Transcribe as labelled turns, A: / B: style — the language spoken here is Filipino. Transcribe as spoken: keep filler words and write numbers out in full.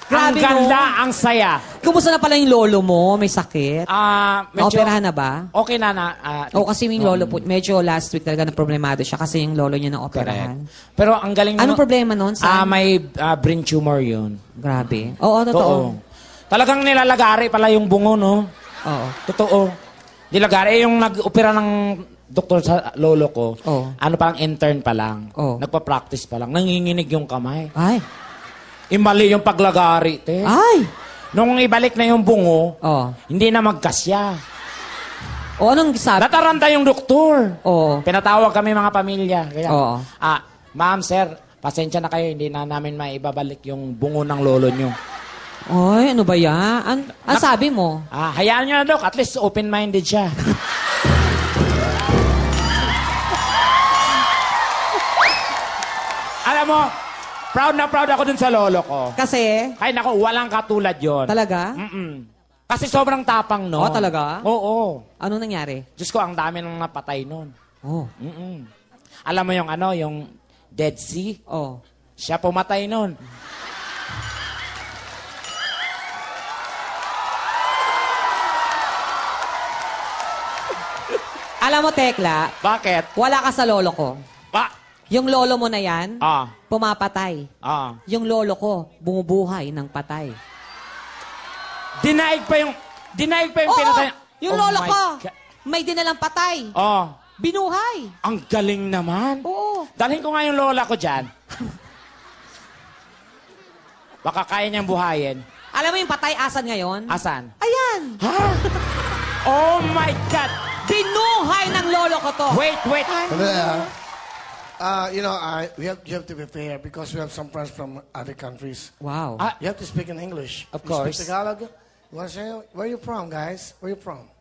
A: Ang
B: Grabe,
A: ganda,
B: no?
A: ang saya.
B: Kumusta na pala yung lolo mo? May sakit?
A: Ah, medyo...
B: Operahan na ba?
A: Okay na na. ah,
B: O kasi yung lolo po, medyo last week talaga na problemado siya kasi yung lolo niya na operahan.
A: Correct. Pero ang galing
B: Anong
A: naman-
B: problema nun?
A: Ah,
B: Saan?
A: may ah, brain tumor yun.
B: Grabe. Oo, totoo.
A: Oo. Talagang nilalagari pala yung bungo, no?
B: Oo.
A: Totoo. Nilalagari. Eh, yung nag-opera ng doktor sa lolo ko,
B: Oo.
A: ano pa lang, intern pa lang.
B: Oo.
A: Nagpa-practice pa lang. Nanginginig yung kamay.
B: Ay.
A: Imali yung paglagari, te.
B: Ay.
A: Nung ibalik na yung bungo,
B: Oo.
A: hindi na magkasya.
B: O anong sabi?
A: Nataranta yung doktor.
B: Oo.
A: Pinatawag kami mga pamilya. Kaya,
B: Oo.
A: ah, ma'am, sir, pasensya na kayo, hindi na namin maibabalik yung bungo ng lolo nyo.
B: Ay, ano ba yan? An ang sabi mo?
A: Ah, hayaan nyo na, Dok. At least open-minded siya. Alam mo, proud na proud ako dun sa lolo ko.
B: Kasi?
A: Kaya nako, walang katulad yon.
B: Talaga?
A: Mm-mm. Kasi sobrang tapang, no?
B: Oh, talaga?
A: Oo.
B: Ano nangyari?
A: Diyos ko, ang dami nang napatay nun.
B: Oh.
A: Mm-mm. Alam mo yung ano, yung Dead Sea?
B: Oh.
A: Siya pumatay nun.
B: Alam mo, Tekla,
A: Bakit?
B: wala ka sa lolo ko.
A: Ba?
B: Yung lolo mo na yan,
A: Ah.
B: pumapatay.
A: Ah.
B: Yung lolo ko, bumubuhay ng patay.
A: Dinaig pa yung... Dinaig pa yung
B: Oo,
A: pinatay...
B: yung
A: Oh
B: lolo
A: my
B: ko,
A: God.
B: may dinalang patay.
A: Oh.
B: Binuhay.
A: Ang galing naman.
B: Oo.
A: Dalhin ko nga yung lola ko dyan. Baka kaya niyang buhayin.
B: Alam mo yung patay asan ngayon?
A: Asan?
B: Ayan.
A: Ha? Oh my God!
B: Binuhay ng lolo ko to.
A: Wait, wait.
C: Uh, uh, you know, I, we have, you have to be fair because we have some friends from other countries.
B: Wow.
A: Ah,
C: You have to speak in English.
A: Of
C: You
A: course.
C: speak Tagalog. You want to say, where are you from, guys? Where are you from?